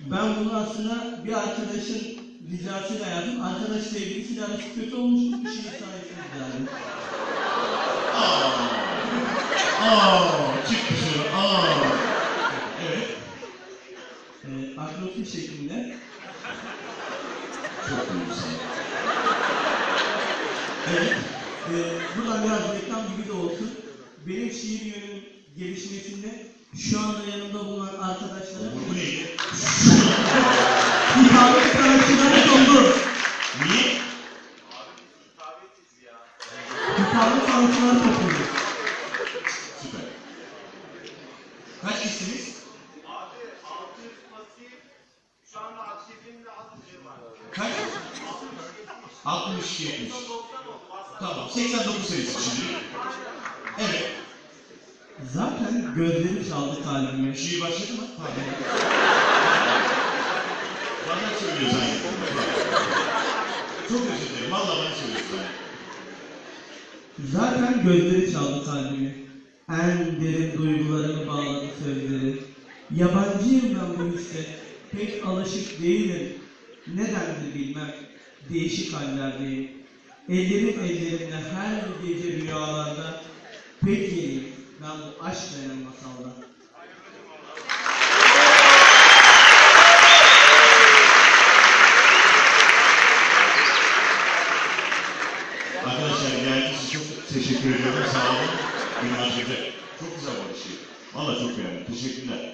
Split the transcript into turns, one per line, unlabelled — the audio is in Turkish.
Ben bunu aslında bir arkadaşın ricasıyla yaptım. Arkadaşla ilgili arası kötü olmuştu. Bir şey sayesinde yani.
Çık dışarı. Evet.
Akrofil şeklinde.
Çok duygusal.
Evet. Buradan biraz reklam gibi de olsun. Benim şiir yönümün gelişmesinde şu anda yanımda bulunan arkadaşlarım
Bu neydi?
hitabet sanatçıları oldu.
Niye?
Hitabet sanatçıları topluyor.
Süper. Kaç kişisiniz?
Abi 600 pasif, şu anda aktifinde 60 var.
Kaç? 60, 70.
90 oldu.
Tamam, 89 sayısı şimdi. Evet.
Zaten gözleri çaldı kalbime.
Şiir başladı mı? Bana söylüyor zannettim. Çok özür dilerim, valla bana söylüyorsun.
Zaten gözleri çaldı kalbimi. En derin duygularımı bağladı sözleri. Yabancıyım ben bu hisse. Pek alışık değilim. Nedendir bilmem. Değişik hallerdeyim. Ellerim ellerimle her gece rüyalarda. Pek yeniyim ben bu aşk denen masalda.
Arkadaşlar geldiğiniz için çok teşekkür ediyorum. Sağ olun. Günlerce. Çok güzel bir şey. Valla çok beğendim. Teşekkürler.